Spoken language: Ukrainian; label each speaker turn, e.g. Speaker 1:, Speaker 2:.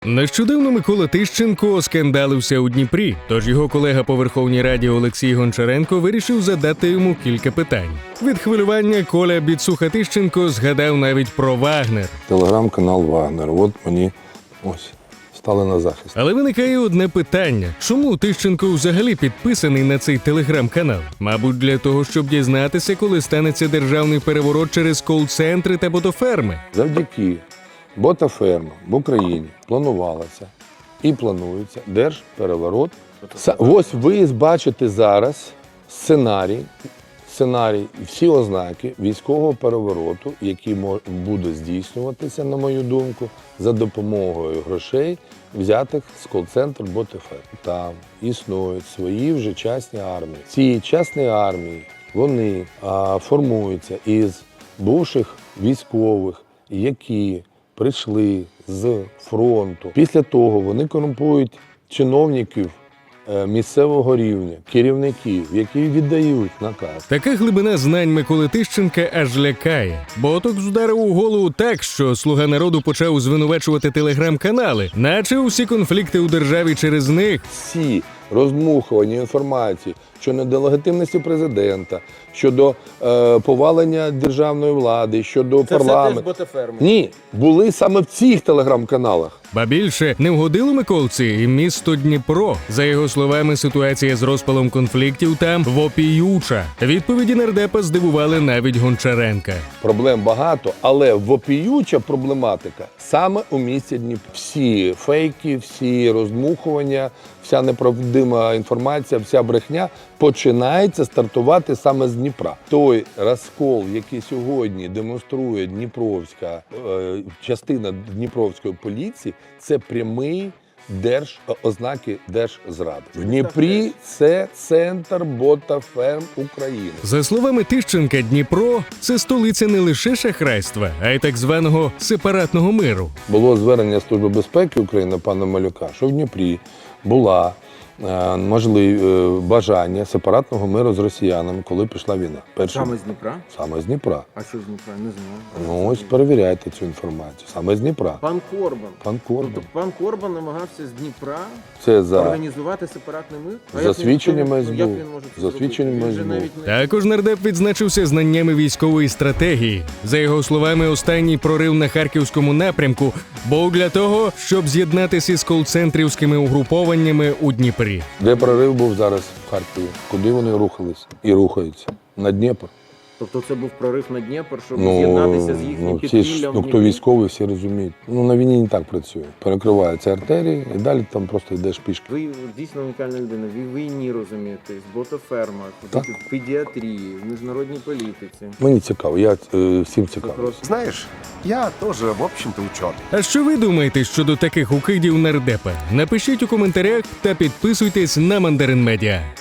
Speaker 1: Нещодавно Микола Тищенко оскандалився у Дніпрі, тож його колега по Верховній Раді Олексій Гончаренко вирішив задати йому кілька питань. Від хвилювання Коля Біцуха-Тищенко згадав навіть про Вагнер.
Speaker 2: Телеграм-канал Вагнер. От мені стали на захист.
Speaker 1: Але виникає одне питання. Чому Тищенко взагалі підписаний на цей телеграм-канал? Мабуть, для того, щоб дізнатися, коли станеться державний переворот через кол-центри та ботоферми.
Speaker 2: Завдяки ботофермам в Україні планувалося і планується держпереворот. Ось ви бачите зараз сценарій і всі ознаки військового перевороту, який буде здійснюватися, на мою думку, за допомогою грошей, взятих з кол-центру ботоферм. Там існують свої вже частні армії. Ці частні армії, вони формуються із бувших військових, які прийшли з фронту. Після того вони корумпують чиновників місцевого рівня, керівників, які віддають наказ.
Speaker 1: Така глибина знань Миколи Тищенка аж лякає. Ботокс вдарив у голову так, що «Слуга народу» почав звинувачувати телеграм-канали, наче усі конфлікти у державі через них.
Speaker 2: Всі роздмухування інформації щодо нелегітимності президента, щодо повалення державної влади, щодо парламенту.
Speaker 3: Це теж ботоферми?
Speaker 2: Ні, були саме в цих телеграм-каналах.
Speaker 1: Ба більше, не вгодило Миколці і місто Дніпро. За його словами, ситуація з розпалом конфліктів там вопіюча. Відповіді нардепа здивували навіть Гончаренка.
Speaker 2: Проблем багато, але вопіюча проблематика саме у місті Дніпро. Всі фейки, всі роздмухування, вся неправдима інформація, вся брехня починається стартувати саме з Дніпра. Той розкол, який сьогодні демонструє Дніпровська частина Дніпровської поліції, це прямий ознаки держзради. В Дніпрі це центр ботоферм України.
Speaker 1: За словами Тищенка, Дніпро – це столиця не лише шахрайства, а й так званого сепаратного миру.
Speaker 2: Було звернення Служби безпеки України пана Малюка, що в Дніпрі була бажання сепаратного миру з росіянами, коли пішла війна.
Speaker 3: Саме з Дніпра?
Speaker 2: Саме з Дніпра.
Speaker 3: А що з Дніпра? Не знаю.
Speaker 2: Ну ось перевіряйте цю інформацію. Саме з Дніпра.
Speaker 3: Пан Корбан. Тобто пан Корбан намагався з Дніпра організувати сепаратний мир?
Speaker 2: За свідченнями
Speaker 3: СБУ.
Speaker 2: СБУ. За свідченнями СБУ.
Speaker 1: Також нардеп відзначився знаннями військової стратегії. За його словами, останній прорив на Харківському напрямку був для того, щоб з'єднатися з кол-центрівськими угрупованнями у Дніпрі.
Speaker 2: Де прорив був зараз в Харкові? Куди вони рухались і рухаються? На Дніпр.
Speaker 3: Тобто це був прорив на Дніпр, щоб з'єднатися з їхнім підпіллям?
Speaker 2: Хто військовий, всі розуміють. На війні не так працює. Перекриваються артерії і далі там просто йдеш пішки.
Speaker 3: Ви дійсно унікальна людина. Ви в війні розумієте, в ботофермах, в педіатрії, в міжнародній політиці.
Speaker 2: Мені цікаво, я всім цікавий.
Speaker 4: Знаешь, я тоже, в общем-то, ученый.
Speaker 1: А що ви думаєте щодо таких укидів нардепа? Напишіть у коментарях та підписуйтесь на Мандарин Медіа.